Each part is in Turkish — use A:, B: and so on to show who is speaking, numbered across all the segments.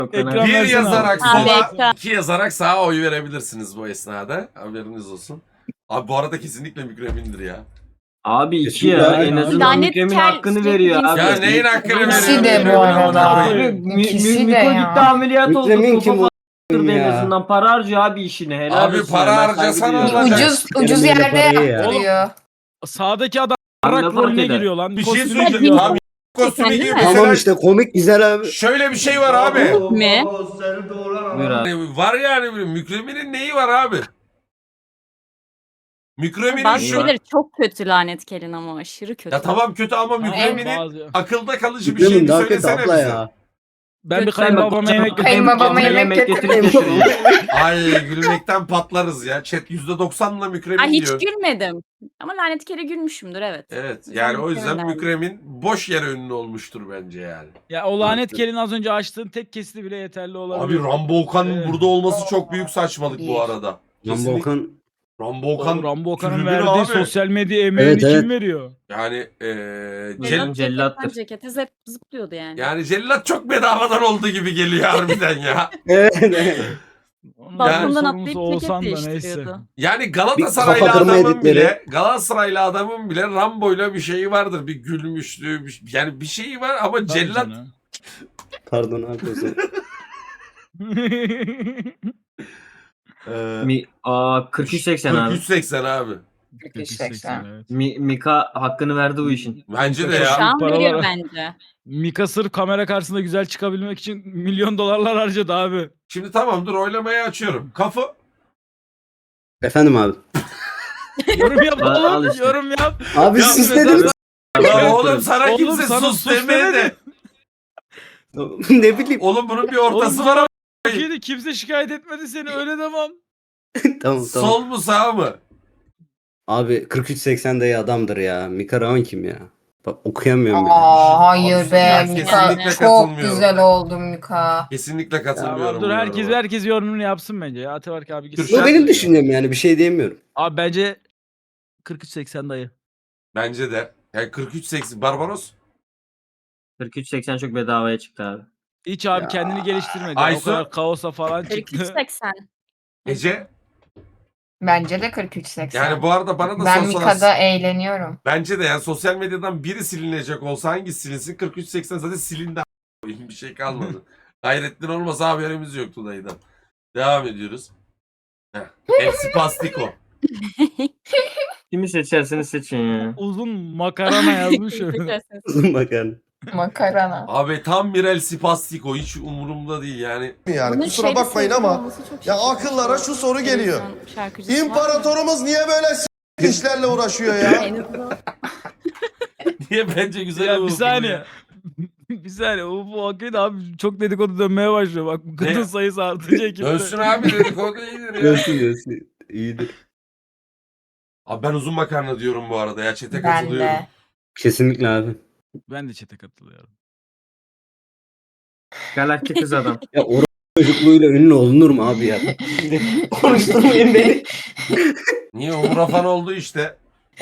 A: Ekran
B: Bir
A: versene
B: yazarak
A: abi.
B: sola, iki yazarak sağa oy verebilirsiniz bu esnada. Haberiniz olsun. Abi bu arada kesinlikle Mükremin'dir ya.
C: Abi iki
D: Kesinlikle
C: ya.
D: aynen.
C: En azından
E: Lanet
C: Mükremin
E: kel
C: hakkını
E: sürekli
C: veriyor
E: cins-
C: abi.
B: Ya neyin hakkını
E: İkisi
B: veriyor?
E: de bu arada.
C: Abi
E: İkisi de
C: Miko
E: ya.
C: gitti ameliyat oldu.
D: Mükremin
C: Kafa
D: kim
C: falan
D: o
C: kırdı en
D: ya?
C: azından. Para harcıyor abi işine. Helal
B: Abi
C: olsun
B: para
C: yani, ben
B: harcasan
C: saygı duyuyorum.
B: olacak.
E: Ucuz
D: Yarım
E: yerde
D: parayı ya.
E: yaptırıyor.
A: Sağdaki adam
C: Abi ne
A: rak
C: fark
A: rolüne
C: eder?
A: giriyor lan.
B: Bir şey
A: Kostüm
B: söyleyeceğim.
A: giyiyor.
B: Tam kostümü
E: Değil
B: gibi
E: mi?
B: mesela
D: Tamam işte komik güzel abi.
B: şöyle bir şey var abi.
E: Mi?
C: Buyur abi.
B: Yani var yani Mükremin'in neyi var abi? Mükremin'in
E: Bazı
B: şu...
E: şeyleri çok kötü lanet kelin ama aşırı kötü.
B: Ya tamam kötü ama
A: Tamam,
B: Mükremin'in
A: bazı-
B: akılda kalıcı bir
D: Mükremin
B: şey
D: daha kötü
B: söylesene
D: abla
B: bize.
D: ya.
A: Ben bir
E: Kötü.
A: kayınbabama yemek
E: Kayınbabama
A: getireyim.
E: yemek
C: getirip götüreyim.
B: Ay gülmekten patlarız ya. Chat %90'la Mükremin
E: Ay hiç
B: diyor.
E: gülmedim. Ama lanet kere gülmüşümdür evet.
B: Evet
E: Güzel
B: yani o yüzden
E: Mükremin
B: Mükremin boş yere ünlü olmuştur bence yani.
A: Ya o lanet kelin az önce açtığın tek kesiti bile yeterli olabilir.
B: Abi Rambo Okan'ın
A: Evet.
B: burada olması çok büyük saçmalık bu
E: Bir.
B: arada.
D: Rambo
B: Kesinlikle-
D: Okan
B: Rambo Okan
A: Oğlum, Rambo Okan'ın
B: tribünü
A: verdiği
B: abi.
A: sosyal medya emeğini
D: Evet,
A: kim
D: evet.
A: veriyor?
B: Yani
C: Cellat- cellattır.
E: Cekete zıplıyordu yani.
B: yani cellat çok bedavadan olduğu gibi geliyor harbiden ya.
D: evet, evet.
A: Onun
E: Balkondan
A: sorumlusu
E: atlayıp
A: olsan
E: ceket
A: da neyse.
E: değiştiriyordu.
B: Yani
D: Bir
B: Galatasaraylı
D: kafa kırma
B: adamın
D: editleri.
B: bile Galatasaraylı adamın bile Rambo'yla bir şeyi vardır. Bir gülmüşlüğü yani bir şeyi var ama
A: Tabii
B: cellat
A: canım.
D: Pardon abi o zaman.
B: eee
C: 43-80 abi.
B: 43-80 abi.
E: 43-80.
A: Evet.
C: Mika hakkını verdi bu işin.
B: Bence de
E: Şu
B: ya.
E: an
A: Paralar-
E: veriyor bence.
A: Mika sırf kamera karşısında güzel çıkabilmek için milyon dolarlar harcadı abi.
B: Şimdi tamam dur oylamayı açıyorum. Kafı
D: Efendim abi.
A: Yorum yap
C: Al
A: oğlum,
C: işte.
A: yorum yap.
D: Abi
B: Ya
D: siz
B: mesela-
D: dediniz.
B: Lan oğlum sana
A: Oğlum
B: kimse
A: sana
B: sus
A: sus
B: demedi.
A: demedi.
D: Ne bileyim.
B: Oğlum bunun bir
A: Oğlum
B: ortası var ama.
A: Türkiye'de kimse şikayet etmedi seni öyle demem.
D: Tamam.
B: Sol mu sağ mı?
D: Abi 43-80 dayı adamdır ya. Mika Raman kim ya? Bak okuyamıyorum bile.
E: Hayır be
B: Ben
E: Mika.
B: kesinlikle
E: Çok
B: katılmıyorum.
E: güzel oldu Mika.
B: Kesinlikle katılmıyorum.
A: Tamam, dur
B: bu
A: herkes
B: yoruma.
A: herkes yorumunu yapsın bence ya. Ataberk abi gitsin.
B: Kürşat-
D: Bu benim düşüncem yani bir şey diyemiyorum.
A: Abi bence 43-80 dayı.
B: Bence de. Yani 43-80 Barbaros.
C: 43-80 çok bedavaya çıktı abi.
A: Hiç abi
D: Ya.
A: kendini geliştirmedi. Yani o
B: Aysu?
A: kadar kaosa falan çıktı.
E: 43-80.
B: Ece.
E: Bence de 43-80.
B: Yani bu arada bana da
E: ben
B: sorsalar.
E: Mika'da eğleniyorum.
B: Bence de yani sosyal medyadan biri silinecek olsa hangisi silinsin? 43-80 zaten silindi. Bir şey kalmadı. Gayrettin olmasa haberimiz yoktu dayıdan. Devam ediyoruz. Heh. Hepsi pastiko.
C: Kimi seçerseniz seçin ya.
A: Uzun makarana yazmış öyle.
D: Uzun bakın.
E: Makarana.
B: Abi tam bir El Pastiko hiç umurumda değil yani.
F: Yani
E: Bunun
F: kusura
E: şeyde
F: bakmayın
E: sevgili
F: ama
E: olması çok
F: ya
E: şaşırtıcı.
F: akıllara şu soru geliyor.
E: Televizyon şarkıcısı var mı?
F: İmparatorumuz niye böyle işlerle uğraşıyor ya?
E: En azından
B: Niye bence güzel
A: Ya bir
B: oldu
A: saniye.
B: ya.
A: Bir saniye. Bu hakikaten abi çok dedikodu dönmeye başlıyor. Bak bu kadın
B: Ne?
A: sayısı artınca ekipte.
B: Dönsün abi dedikodu iyidir ya.
D: Görsün. İyidir.
B: Abi ben uzun makarna diyorum bu arada ya çete
E: ben
B: katılıyorum.
E: de.
D: Kesinlikle abi.
A: Ben de çete katılıyorum.
C: Galaktik kız adam.
D: Ya oran çocukluğuyla ünlü olunur mu abi ya? Konuşturmayın beni.
B: Niye Umur Afan oldu işte.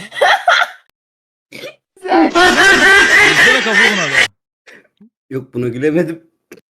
A: Yüzüne kapı buna da.
D: Yok buna gülemedim.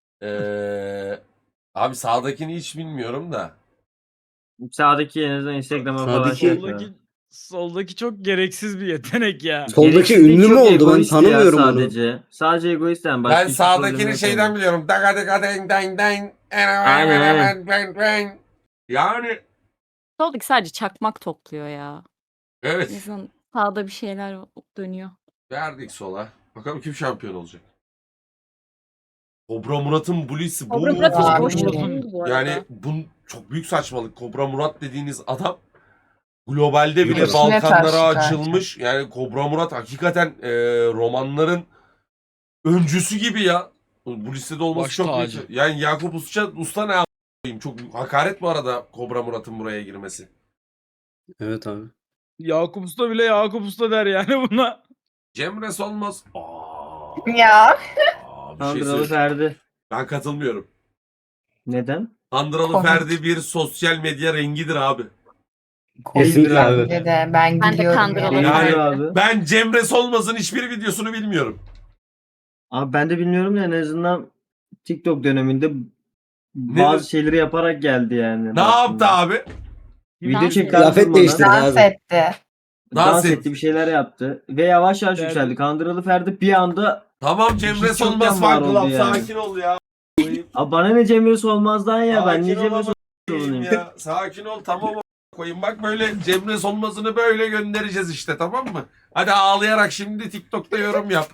B: Abi sağdakini hiç bilmiyorum da.
C: Sağdaki en azından Instagram'a falan
D: Sağdaki-
C: şey yapıyor.
A: Soldaki çok gereksiz bir yetenek ya.
D: Soldaki
C: Gereksiz
D: ünlü
C: çok
D: mü oldu? Ben
C: egoist ya
D: tanımıyorum onu.
C: sadece. Sadece egoist yani. Başka
B: Ben
C: hiçbir
B: sağdakini
C: problemi yok
B: şeyden
C: yani.
B: biliyorum. Daga daga deng deng deng.
C: Aynen,
B: Yani
E: Soldaki sadece çakmak topluyor ya. En
B: evet
E: azından sağda bir şeyler dönüyor.
B: verdik sola. Bakalım kim şampiyon olacak. Kobra Murat'ın Blue'si bu.
E: Kobra Murat hiç
A: Abi,
E: boş
A: Murat'ın-
E: değil bu arada.
B: Yani bu çok büyük saçmalık. Kobra Murat dediğiniz adam globalde bile
D: Evet.
B: Balkanlara
E: karşı
B: açılmış. Yani Kobra Murat hakikaten romanların öncüsü gibi ya. Bu listede olması
A: Baş
B: çok
A: tacı.
B: büyük. Yani Yakup Usta ne a**ayım? Çok hakaret bu arada Kobra Murat'ın buraya girmesi.
D: Evet abi.
A: Yakup Usta bile Yakup Usta der yani buna.
B: Cemre Solmaz.
E: Ya.
B: Bir şey
C: Kandıralı
B: söyleyeyim.
C: Ferdi.
B: Ben katılmıyorum.
C: Neden?
B: Kandıralı
E: Komik.
B: Ferdi bir sosyal medya rengidir abi.
D: Kesinlikle abi.
E: Bence de ben Ben de gülüyorum kandıralı yani.
B: Yani-
C: abi.
B: Ben Cemre Solmaz'ın hiçbir videosunu bilmiyorum.
C: Abi ben de bilmiyorum da en azından TikTok döneminde Bazı şeyleri yaparak geldi yani.
B: Ne yaptı abi?
C: Video
E: Dans
C: çekti.
D: Kıyafet
C: durmadan.
D: değiştirdi
G: Dans
D: abi.
G: etti.
C: Dans
B: et.
C: etti, bir şeyler yaptı. Ve yavaş yavaş
A: Ferdi.
C: yükseldi. Kandırılı Ferdi bir anda
B: Tamam Cemre
C: Hiç
B: Solmaz
C: yokken
B: fan
C: var oldu
B: club.
C: yani.
B: Sakin ol ya.
C: Abi bana ne Cemre Solmaz'dan ya, ben niye
B: Sakin
C: Cemre
B: ol
C: Solmaz'dan
B: ya. Sakin ol tamam koyayım. Bak böyle Cemre Solmaz'ını böyle göndereceğiz işte, tamam mı? Hadi ağlayarak şimdi TikTok'ta yorum yap.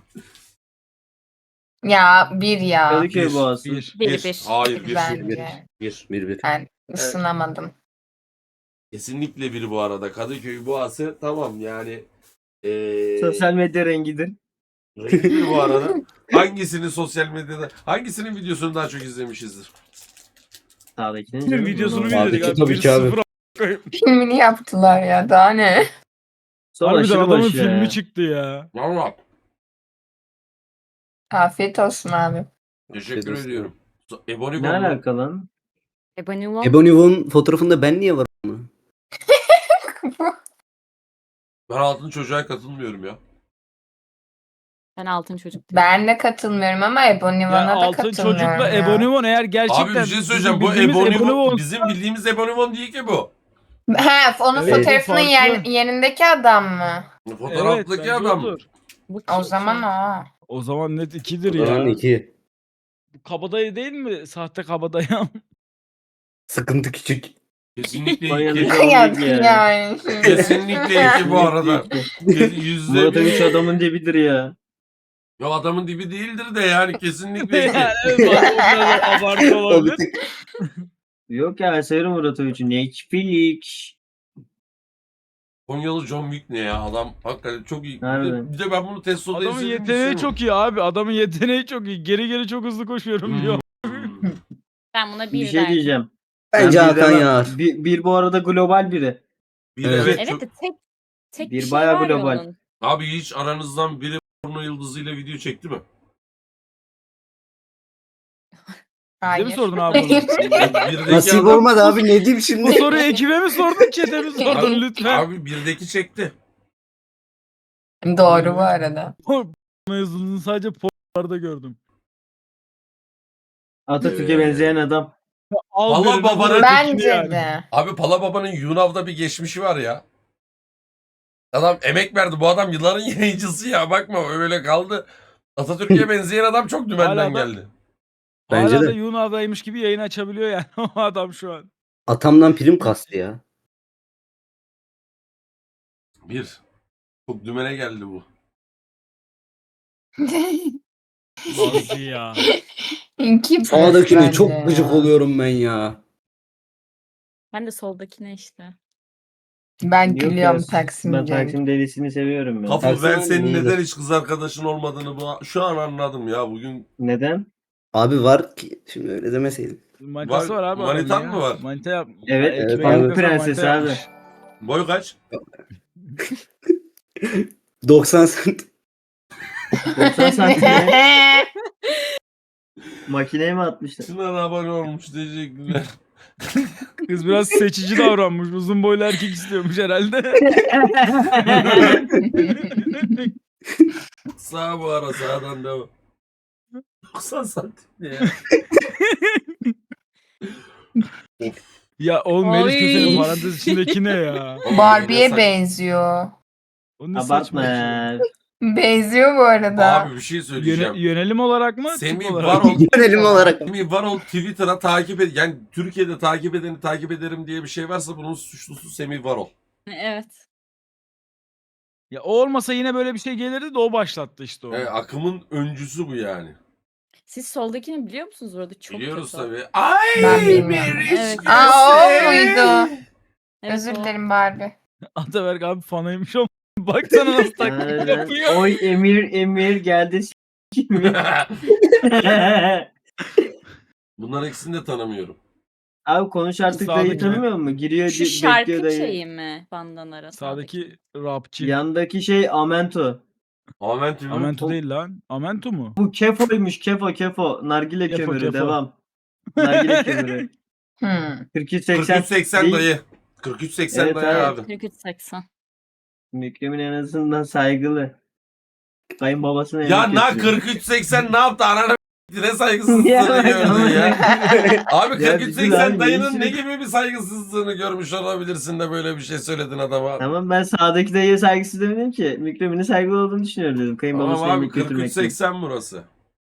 G: Ya bir ya.
C: Kadıköy Boğazı.
A: Bir.
E: Bir.
B: Hayır bir.
G: Bence.
D: Bir.
G: Ben ısınamadım.
B: Kesinlikle bir bu arada. Kadıköy Boğası tamam yani.
C: Sosyal medya rengidir.
B: Renkli bu arada. Hangisini sosyal medyada, hangisinin videosunu daha çok izlemişizdir?
C: Sağdakinin
A: Bir
C: canım.
A: videosunu
C: Bunu-
A: bir izledik abi.
D: Tabii ki abi.
A: 1-0 a**ayım.
G: Filmini yaptılar ya, daha ne?
C: Sol
A: Harbiden
C: aşırı
A: adamın
C: başı ya.
A: filmi çıktı ya.
B: Valla.
G: Afiyet olsun abi.
B: Teşekkür
D: Teşekkür
B: ediyorum. Ebony
C: Ne alaka lan?
E: Ebony One.
D: Ebony Von fotoğrafında ben niye varım?
B: Ben altın çocuğa katılmıyorum ya.
E: Ben altın çocuk değilim.
G: Ben de katılmıyorum ama Ebony
A: Ya
G: One'a da
A: altın
G: katılmıyorum
A: çocukla
G: ya.
A: Ebony One eğer gerçekten
B: Abi bir şey söyleyeceğim. Bu
A: bizim bildiğimiz
B: Ebony
A: Ebony
B: Von,
A: One-
B: bizim bildiğimiz Ebony Von değil ki bu.
G: He, onun
A: Evet,
G: fotoğrafının
A: farklı.
G: yerindeki adam mı?
B: Fotoğraftaki
A: bence
B: adam.
A: odur.
E: Bu
G: O
E: kim
G: zaman
E: ki?
G: o.
A: O zaman net 2'dir
D: O zaman
A: ya.
D: 2.
A: Kabadayı değil mi? Sahte kabadayı.
D: Sıkıntı küçük.
B: Kesinlikle
C: Konya'da
B: iki.
C: John
G: Ya,
C: Wick yani.
G: yani.
B: Kesinlikle iki bu arada. Yüzde
C: Murat Övüş
B: bir.
C: adamın dibidir ya.
B: Ya adamın dibi değildir de yani kesinlikle
A: yani
B: iki.
A: evet, o biraz abartı
D: O
A: olabilir.
D: bir tık
C: Yok ya, ben severim Murat Övüş'ü. Netflix.
B: Konyalı John Wick ne ya, adam hakikaten çok iyi.
C: Harbiden.
B: Bir de ben bunu Testo'da
A: Adamın
B: izledim.
A: yeteneği çok iyi abi. Adamın yeteneği çok iyi. Geri geri çok hızlı koşuyorum diyor.
E: Ben buna
C: Bir
E: bir
C: şey
E: derdim.
C: diyeceğim.
D: Bence
C: Ben bir
D: Hakan
C: demem.
D: Yağar.
C: Bir bu arada global biri.
B: Bir
D: Evet.
B: evet,
E: Evet
B: çok...
E: de tek
C: Bir
E: şey
C: bayağı
E: var ya
C: global.
E: onun.
B: Abi hiç aranızdan biri porno yıldızıyla video çekti mi?
A: Bize mi
G: Hayır.
A: sordun abi bunu?
B: Birdeki
D: Nasip
B: adam-
D: olmadı abi, ne diyeyim
A: Bu
D: şimdi?
A: soruyu ekibe mi sordun, çete mi sordun lütfen?
B: Abi birdeki çekti.
G: Doğru bu arada.
A: Mevzunun sadece pornolarda gördüm.
C: Atatürk'e benzeyen adam.
A: Al
B: Allah
A: birini,
B: babanın-
A: vur ötekini
G: Bence
A: yani.
G: de.
B: Abi Pala Baba'nın Yunav'da bir geçmişi var ya. Adam emek verdi. Bu adam yılların yayıncısı ya. Bakma öyle kaldı. Atatürk'e benzeyen adam çok dümenden
A: Hala da-
B: geldi.
D: Bence
A: Hala
D: de.
A: da Yunan'daymış gibi yayın açabiliyor yani o adam şu an.
D: Atamdan prim kastı ya.
B: Bir. Çok dümene geldi bu.
A: Nasıl ya?
G: İki
D: Sağdakine
G: bence
D: çok
G: ya.
D: gıcık oluyorum ben ya.
E: Ben de soldakine işte.
G: Ben
C: Yok
G: gülüyorum
C: ya,
G: Taksim
C: Ben
G: Cenk.
C: Taksim delisini seviyorum ben.
B: Kafur ben
D: Taksim
B: senin
D: iyidir.
B: neden hiç kız arkadaşın olmadığını şu an anladım ya. Bugün
C: Neden?
D: Abi var ki şimdi öyle demeseydin.
A: Manitası
B: Var-
A: var abi.
B: manitan
A: adamın
B: mı
A: ya.
B: var?
A: Manita yap.
C: Evet,
A: Ekmeğe
D: evet,
A: yakasa
C: Pamuk Prenses
A: manita
C: abi.
A: yapmış.
B: boy kaç?
D: 90 cent.
C: 90 santime makineye mi atmışlar?
B: Şuna da abone olmuş, teşekkürler.
A: Kız biraz seçici davranmış. Uzun boylu erkek istiyormuş herhalde.
B: Sağ bu ara, sağdan devam. 90 santim ne ya?
A: Ya oğlum Melis
E: Oy.
A: Köse'nin parantez içindeki ne ya?
G: Barbie'ye benziyor.
A: O ne saçma bir şey.
C: Abartma.
G: Benziyor bu arada.
B: Abi bir şey söyleyeceğim.
A: Yönelim olarak mı?
B: Semih
A: tip olarak
B: Varol,
A: mı?
D: Yönelim olarak.
B: Semih Varol Twitter'a takip et. Yani Türkiye'de takip edeni takip ederim diye bir şey varsa bunun suçlusu Semih Varol.
E: Evet.
A: Ya o olmasa yine böyle bir şey gelirdi de o başlattı işte onu.
B: Akımın öncüsü bu yani.
E: Siz soldakini biliyor musunuz orada? Çok
B: Biliyoruz
E: kötü.
B: tabii. Ay
G: Ben bilmiyorum.
B: Melis
E: Evet.
B: Köse.
G: Aa, o muydu?
E: Evet,
G: Özür
E: o.
G: dilerim Barbie.
A: Ataberk abi fanıymış o. Baksana nasıl taklit
C: Aynen.
A: yapıyor.
C: Oy Emir geldi s**kimi.
B: Bunların ikisini de tanımıyorum.
C: Abi konuş artık dayı
A: Sağdaki-
C: tanımıyor musun? Giriyor
E: Şu
C: bekliyor
E: şarkı
C: dayı.
E: şeyi mi? Bandanara.
A: Sağdaki rapçi.
C: Yandaki şey Amento.
B: Amentü mü?
A: Amento
C: o-
A: değil lan. Amento mu?
C: Bu kefoymuş kefo. Nargile
A: Kefo,
C: kömürü
A: kefo.
C: devam. Nargile kömürü.
G: Hmm.
C: 4380
B: 4380
C: değil.
B: dayı. 4380
C: Evet,
B: dayı
C: evet.
B: abi.
E: 4380.
C: Mükremin en azından saygılı. Kayınbabasına
B: Ya
C: yemek
B: na
C: götürüyor.
B: 4380 ne yaptı? Ananı Ne saygısızlığını
C: Ya,
B: gördün ya. Abi
C: Ya
B: 43-80
C: bizim abi
B: dayının ne
C: değişik.
B: gibi bir saygısızlığını görmüş olabilirsin de böyle bir şey söyledin adama.
C: Tamam ben sağdaki dayıya saygısız demedim ki. Mikrofonu saygılı olduğunu düşünüyorum dedim.
B: Tamam
C: Kayınbabasına
B: abi
C: yemek götürmekten.
B: 43-80 burası.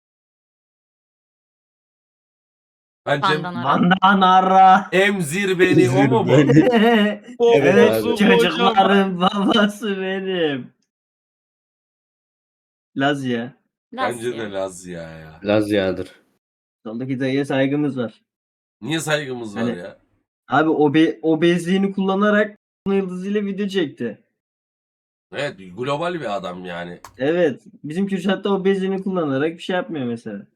B: Bence
E: Bandana.
C: Bandanara.
B: emzir beni o mu bu?
D: Evet
C: Evet
D: abi.
C: çocukların babası benim. Lazya.
B: Bence
E: Lazya.
B: de Laz ya.
D: Lazya'dır.
C: Soldaki dayıya saygımız var.
B: Niye saygımız var
C: Hani-
B: ya?
C: Abi obezliğini kullanarak yıldızıyla video çekti.
B: Evet global bir adam yani.
C: Evet. Bizim Kürşat da obezliğini kullanarak bir şey yapmıyor mesela.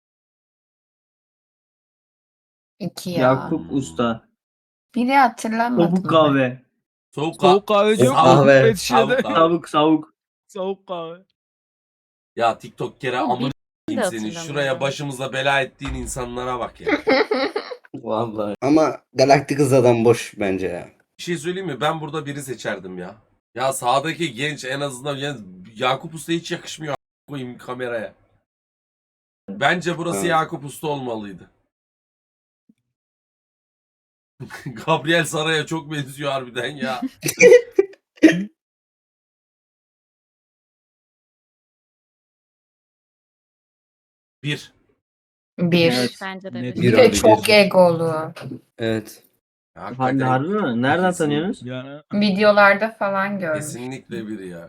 G: 2 ya.
C: Yakup Usta.
G: Biri hatırlamadım.
C: Topuk kahve.
A: Soğuk kahve diyor mu?
D: Kahve.
A: Petişe'de.
C: Savuk.
A: Soğuk kahve.
B: Ya TikTok kere
E: Ama
B: amına
E: de
B: seni.
E: hatırlamıyorum.
B: Şuraya başımıza bela ettiğin insanlara bak ya.
D: Vallahi. Ama Galaktik Hız adam boş bence ya.
B: Bir şey söyleyeyim mi? Ben burada biri seçerdim ya. Ya sağdaki genç en azından yani Yakup Usta hiç yakışmıyor koyayım kameraya. Bence burası
D: Evet.
B: Yakup Usta olmalıydı. Gabriel Saray'a çok benziyor harbiden ya. Bir.
G: 1.
C: Evet.
E: Bence de
A: Net
E: bir.
G: Bir
D: Bir
G: de
D: abi,
G: çok
D: bir.
G: egolu.
D: Evet.
C: Harbi mi? Nereden
B: Kesin-
C: tanıyorsunuz?
A: Yani
G: Videolarda falan görmüş.
B: Kesinlikle bir ya.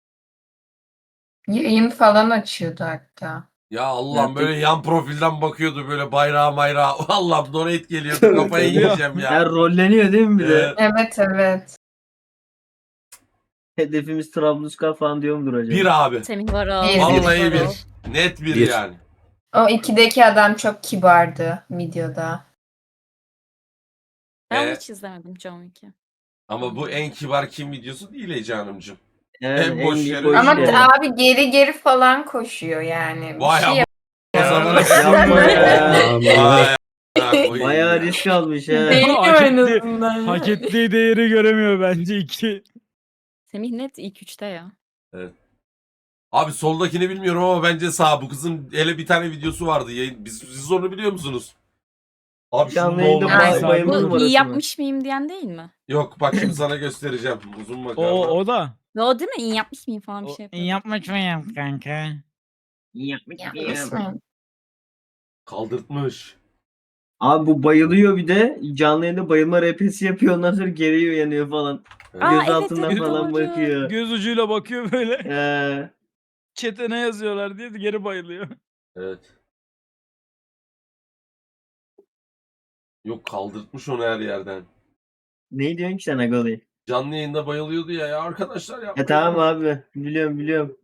G: Yayın falan açıyordu hatta.
B: Ya Allah'ım
C: Ya
B: böyle yan profilden bakıyordu böyle bayrağı mayrağı. Allah'ım donate geliyordu kafayı
D: Tabii.
B: yiyeceğim ya.
C: Ya rolleniyor değil mi bir de?
B: Evet.
G: Evet.
C: Hedefimiz Trablusgar falan diyor mudur acaba?
B: Bir abi.
E: Semih Varol.
G: Bir.
B: Vallahi
E: Semih Varol.
B: bir. Net bir
D: Bir.
B: yani.
G: O 2'deki adam çok kibardı videoda.
E: Ben onu
B: E,
E: hiç izlemedim John Wick'i.
B: ama bu en kibar kim videosu değil Ece Hanımcığım.
C: Evet,
B: en boş
C: büyük
B: yeri-
C: boş
G: Ama
C: yeri.
G: abi geri falan koşuyor yani. Bir
B: Vay
G: şey
B: ama o zaman
C: Yapma ya.
B: Vay a**ına koyayım
C: Bayağı
B: ya.
C: risk almış ha.
G: Değil
A: Hak
G: en
A: etti.
G: azından.
A: hak ettiği değeri göremiyor bence iki.
E: Semih net ilk üçte ya.
B: Abi soldakini bilmiyorum ama bence sağ. Bu kızın hele bir tane videosu vardı. Yayın. Siz onu biliyor musunuz? Abi şunun
C: Canlı
B: ne
C: yayında
B: olduğunu
A: Aynen.
C: bayılma
E: Bu
C: numarası
E: iyi
C: mı?
E: yapmış mıyım diyen değil mi?
B: Yok bak şimdi sana göstereceğim. Uzun
A: O,
B: makarna.
A: o da.
E: Ve o değil mi? İyi yapmış mıyım falan bir şey yapıyor.
A: Yapmış mıyım kanka?
G: Yapmış mı?
B: Kaldırtmış.
C: Abi bu bayılıyor bir de. Canlı yayında bayılma RP'si yapıyor. Ondan sonra geri uyanıyor falan.
E: Aa,
C: Göz
E: evet,
C: altından
E: evet,
C: falan
E: doğru.
C: bakıyor.
A: Göz ucuyla bakıyor böyle.
C: Ee,
A: Çete ne yazıyorlar diye geri bayılıyor.
B: Evet. Yok kaldırtmış onu her yerden.
C: ne diyorsun ki sen Agalı?
B: Canlı yayında bayılıyordu ya arkadaşlar
C: Ya
B: yapmayın.
C: tamam abi. Biliyorum.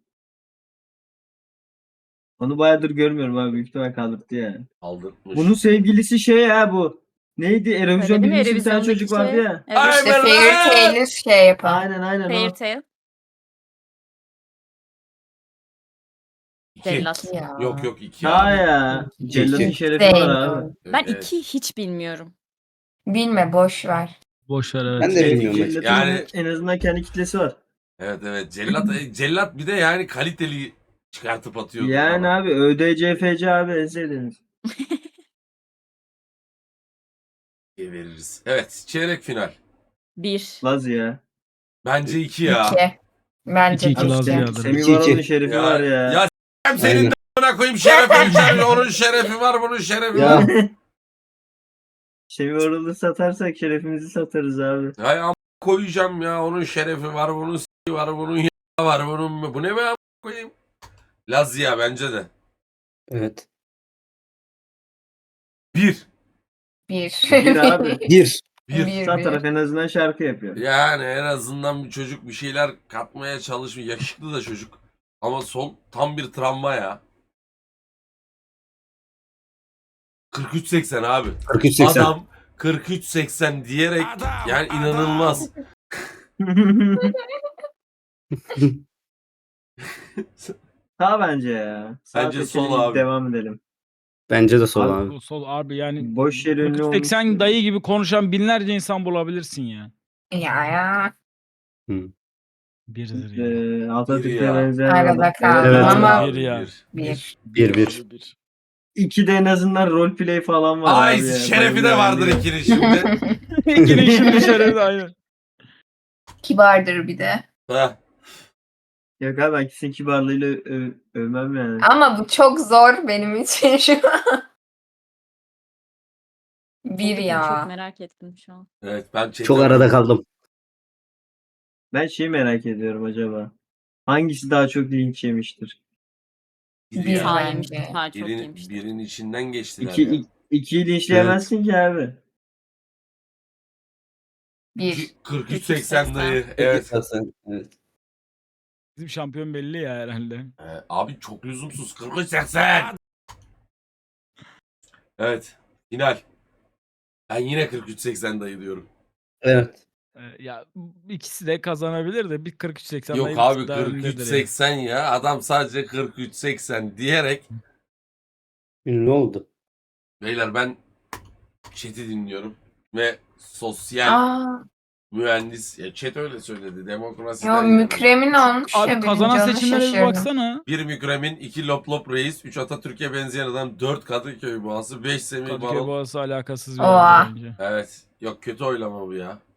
C: Onu bayağıdır görmüyorum abi. Büyük ihtimal kaldırdı ya.
B: Kaldırtmış.
C: Bunun sevgilisi şey ya bu. Neydi? Erevizyon
E: Öyle değil mi?
C: birincisi bir tane çocuk
E: Erevizyondaki
C: vardı ya.
E: Evet.
B: Ay,
G: İşte
B: ben-
G: Fairy Tail'i yapan.
C: Aynen o.
E: Fairytale.
B: İki.
E: Cellat.
G: Ya.
B: Yok iki
C: Ha
B: abi.
C: ya. Cellat'ın
D: İki.
C: şerefi var abi.
G: Sevmiyorum.
E: Ben
B: Evet.
E: iki hiç bilmiyorum.
G: Bilme boş ver.
A: Boş ver evet.
D: Ben de bilmiyorum.
C: Cellat'ın
B: Yani-
C: en azından kendi kitlesi var.
B: Evet. Cellat bir de yani kaliteli çıkartıp atıyordu.
C: Yani
B: falan.
C: abi ÖDCFC abi en sevdiğiniz.
B: diye veririz. Evet çeyrek final.
E: Bir.
C: Laz ya.
B: Bence 2 ya.
G: 2. Bence
A: İki
G: de
A: lazım
G: iki.
A: ya.
C: Semih
D: 2-2.
C: Varol'un şerefi var ya.
B: Ya s**eyim senin
D: Aynen.
B: de a**ına koyayım şerefi. Onun şerefi var bunun şerefi
D: Ya.
B: var.
C: Semih Varol'u satarsak şerefimizi satarız abi.
B: Hay am koyacağım ya onun şerefi var bunun s**i var bunun y**a var bunun bu ne be am koyayım. Lazia bence de.
D: Evet.
B: 1.
G: 1.
C: Bir abi.
D: 1.
B: 1.
C: Sağ taraf en azından şarkı yapıyor.
B: Yani en azından bir çocuk bir şeyler katmaya çalışmıyor. Yakışıklı da çocuk. Ama sol tam bir travma ya. 43-80 abi.
D: 43-80.
B: Adam 43-80 diyerek yani inanılmaz.
C: Sağ bence ya. Sağ
B: Bence
C: seçeneği
B: sol abi.
C: devam edelim.
D: Bence de sol
C: Abi,
D: abi.
A: Bu sol abi yani
C: Boş yere ünlü
A: 80
C: olmuş.
A: dayı gibi konuşan binlerce insan bulabilirsin ya.
G: Ya.
A: Birdir ya.
C: Atatürk'e
B: ya.
C: benzeyen
G: Arada
C: adam.
G: kaldım
D: Evet,
G: ama
B: abi,
A: bir ya.
G: 1.
D: 1-1.
C: İki de en azından roleplay falan var
B: Ay
C: abi ya.
B: şerefi de
C: Bayılıyor
B: vardır
C: yani.
B: ikili şimdi.
A: İkili işin dışarı aynen.
G: Kibardır bir de.
B: Heh.
C: Yok abi ben kesin kibarlığıyla övmem yani.
G: Ama bu çok zor benim için şu an. Bir
E: Çok
G: ya.
E: merak ettim şu an.
B: Evet ben
D: Çok arada kaldım.
C: Ben şeyi merak ediyorum acaba. Hangisi daha çok linç yemiştir?
B: Biri
G: Bir
B: ya.
E: Sağ
G: bence.
E: yemiştim. Sağ çok yemiştim.
B: Birinin içinden geçtiler ya.
C: İkiyi linçleyemezsin ki abi.
G: Bir.
B: 43-80 dayı. Evet.
D: Evet.
A: Bizim şampiyon belli ya herhalde.
B: Abi çok lüzumsuz. 43-80. Evet. Final. Ben yine 43-80 dayı diyorum.
D: Evet.
A: Ya ikisi de kazanabilir de bir 43-80
B: Yok
A: dayı
B: abi
A: bir tık daha öndedir ya.
B: 43-80 ya. Adam sadece 43-80 diyerek.
D: Ne oldu?
B: Beyler ben chat'i dinliyorum. Ve sosyal
G: Aa,
B: mühendis. Ya chat öyle söyledi. Demokrasiden
G: yo
B: yana.
G: mükremin olmuş
A: Abi
G: ya
A: kazanan
G: birinci, onu
A: seçimlere bir
G: şaşırdım.
A: baksana.
B: 1 Mükremin, 2 Lop Lop Reis, 3 Atatürk'e benzeyen adam, 4 Kadıköy Boğası, 5 Semih
A: Kadıköy
B: Baron.
A: Boğası alakasız bir
G: Oha.
A: oyuncu bence.
B: Evet. Yok kötü oylama bu ya.